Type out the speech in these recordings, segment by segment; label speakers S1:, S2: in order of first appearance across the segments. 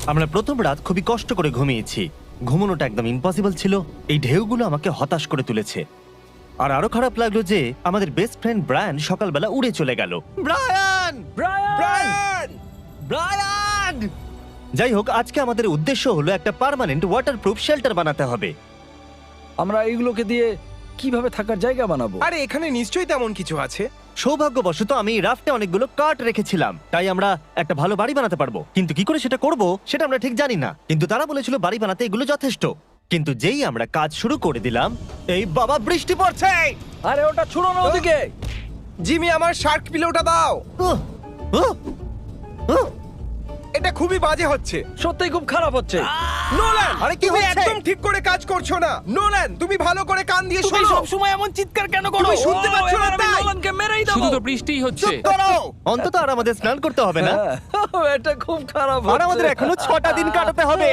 S1: আমরা প্রথম রাত খুবই কষ্ট করে ঘুমিয়েছি। ঘুমানোটা একদম ইম্পসিবল ছিল। এই ঢেউগুলো আমাকে হতাশ করে তুলেছে। আর আরো খারাপ লাগলো যে আমাদের বেস্ট ফ্রেন্ড ব্রায়ান সকালবেলা উড়ে চলে গেল। ব্রায়ান! ব্রায়ান! ব্রায়ান! যাই হোক, আজকে আমাদের উদ্দেশ্য হলো একটা পার্মানেন্ট ওয়াটারপ্রুফ শেল্টার বানাতে হবে।
S2: আমরা এইগুলোকে দিয়ে কিভাবে থাকার জায়গা বানাবো?
S3: আরে এখানে নিশ্চয়ই তেমন কিছু আছে।
S1: সৌভাগ্যবশত আমি এই রাফটে অনেকগুলো কাঠ রেখেছিলাম, তাই আমরা একটা ভালো বাড়ি বানাতে পারবো। কিন্তু কি করে সেটা করব সেটা আমরা ঠিক জানি না। কিন্তু তারা বলেছিল বাড়ি বানাতে এগুলো যথেষ্ট। কিন্তু যেই আমরা কাজ শুরু করে দিলাম, এই বাবা বৃষ্টি পড়ছে!
S2: আরে ওটা ছুড়ো না ওদিকে।
S3: জিমি, আমার শার্ক পিলোটা দাও।
S1: উহ! উহ! উহ!
S3: এটা খুবই বাজে হচ্ছে।
S2: সত্যিই খুব খারাপ হচ্ছে।
S3: নোলান,
S1: আরে কি
S3: তুমি
S1: হচ্ছে?
S3: একদম ঠিক করে কাজ করছো না। নোলান, তুমি ভালো করে কান দিয়ে
S4: তুমি
S3: শোনো।
S4: সব সময় এমন চিৎকার কেন করো?
S3: তুমি শুনতে পাচ্ছ না
S2: এবার আমি
S3: তাই?
S2: নোলানকে মেরেই দেবো।
S4: শুধু তো বৃষ্টিই হচ্ছে।
S1: চুপ করো! অন্তত আর আমাদের স্নান করতে হবে না।
S2: হ্যাঁ, এটা খুব খারাপ
S1: আর আমাদের
S2: হচ্ছে।
S1: এখনো 6টা দিন কাটাতে হবে।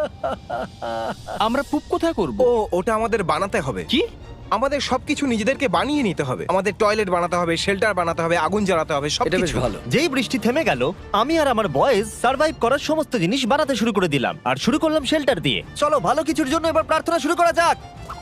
S4: আমরা পুপ কোথায় করব?
S3: ও, ওটা আমাদের বানাতে হবে।
S4: কি?
S3: আমাদের সবকিছু নিজেদেরকে বানিয়ে নিতে হবে। আমাদের টয়লেট বানাতে হবে, শেল্টার বানাতে হবে, আগুন জ্বালাতে হবে,
S2: এটা বেশ
S3: সবকিছু।
S2: ভালো।
S1: যেই বৃষ্টি থেমে গেল, আমি আর আমার বয়েজ সার্ভাইভ করার সমস্ত জিনিস বানাতে শুরু করে দিলাম। আর শুরু করলাম শেল্টার দিয়ে। চলো ভালো কিছুর জন্য এবার প্রার্থনা শুরু করা যাক।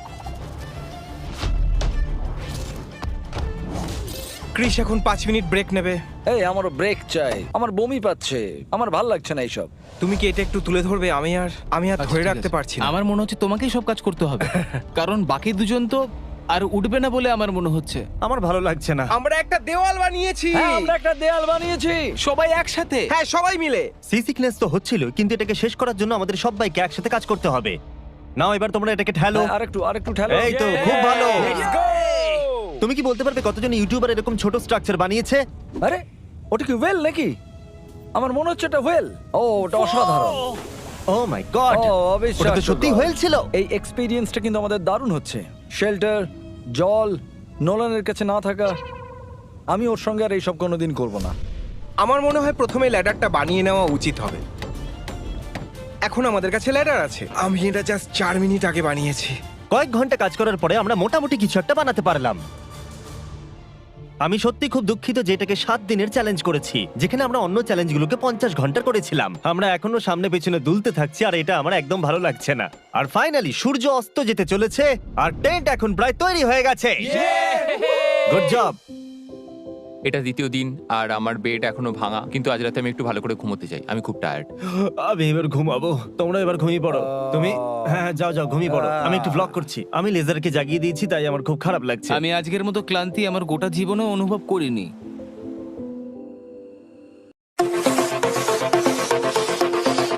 S3: ক্রিস এখন 5 মিনিট ব্রেক নেবে।
S2: এই আমারও ব্রেক চাই, আমার বমি পাচ্ছে, আমার ভাল লাগছে না এইসব।
S3: তুমি কি এটা একটু তুলে ধরবে? আমি আর
S4: আচ্ছা,
S3: ধরে
S4: ঠিক
S3: রাখতে
S4: আছে।
S3: পারছি না।
S4: আমার মনে হচ্ছে তোমাকেই সব কাজ করতে হবে, কারণ বাকি দুজন তো আর উঠবে না বলে আমার মনে হচ্ছে।
S1: আমার ভালো লাগছে না।
S3: আমরা একটা দেওয়াল বানিয়েছি।
S2: হ্যাঁ, আমরা একটা দেয়াল বানিয়েছি।
S4: সবাই একসাথে।
S3: হ্যাঁ, সবাই মিলে।
S1: সি সিকনেস তো হচ্ছিল, কিন্তু এটাকে শেষ করার জন্য আমাদের সবাইকে একসাথে কাজ করতে হবে। নাও এবার তোমরা এটাকে ঠেলো।
S2: হ্যাঁ, আরেকটু ঠেলো।
S1: এই তো, খুব ভালো।
S3: Let's go!
S1: তুমি কি বলতে পারবে কতজন ইউটিউবার এরকম ছোট স্ট্রাকচার বানিয়েছে?
S2: আরে ওটা কি ওয়েল নাকি? আমার মনে হচ্ছে এটা ওয়েল। ও, ওটা অসাধারণ।
S1: ও মাই গড!
S2: ও,
S1: ওটা
S2: অবিশ্বাস্য
S1: তো সত্যি
S2: God।
S1: হয়েছিল।
S2: এই এক্সপেরিয়েন্সটা কিন্তু আমাদের দারুণ হচ্ছে। শেল্টার, জল, নোলানের কাছে না থাকা। আমি ওর সঙ্গে আর এইসব কোনোদিন করব না।
S3: আমার মনে হয় প্রথমে ল্যাডারটা বানিয়ে নেওয়া উচিত হবে। এখন আমাদের কাছে ল্যাডার আছে। আমি এটা জাস্ট 4 মিনিট আগে বানিয়েছি।
S1: কয়েক ঘন্টা কাজ করার পরে আমরা মোটামুটি কিছু একটা বানাতে পারলাম। আমি সত্যি খুব দুঃখিত যে এটাকে 7 দিনের চ্যালেঞ্জ করেছি, যেখানে আমরা অন্য চ্যালেঞ্জগুলোকে 50 ঘন্টা করেছিলাম। আমরা এখনো সামনে পেছনে দুলতে থাকছি, আর এটা আমার একদম ভালো লাগছে না। আর ফাইনালি সূর্য অস্ত যেতে চলেছে, আর টেন্ট এখন প্রায় তৈরি হয়ে গেছে। Good job!
S5: এটা দ্বিতীয় দিন আর আমার বেড এখনো ভাঙা, কিন্তু আজ রাতে আমি একটু ভালো করে ঘুমোতে চাই। আমি খুব টায়ার্ড।
S1: আমি এবার ঘুমাবো, তোমরা এবার ঘুমিয়ে পড়ো। তুমি হ্যাঁ যাও যাও ঘুমিয়ে পড়ো। আমি একটু ব্লগ করছি। আমি লেজারকে জাগিয়ে দিয়েছি, তাই আমার খুব খারাপ লাগছে।
S4: আমি আজকের মতো ক্লান্তি আমার গোটা জীবনে অনুভব করিনি।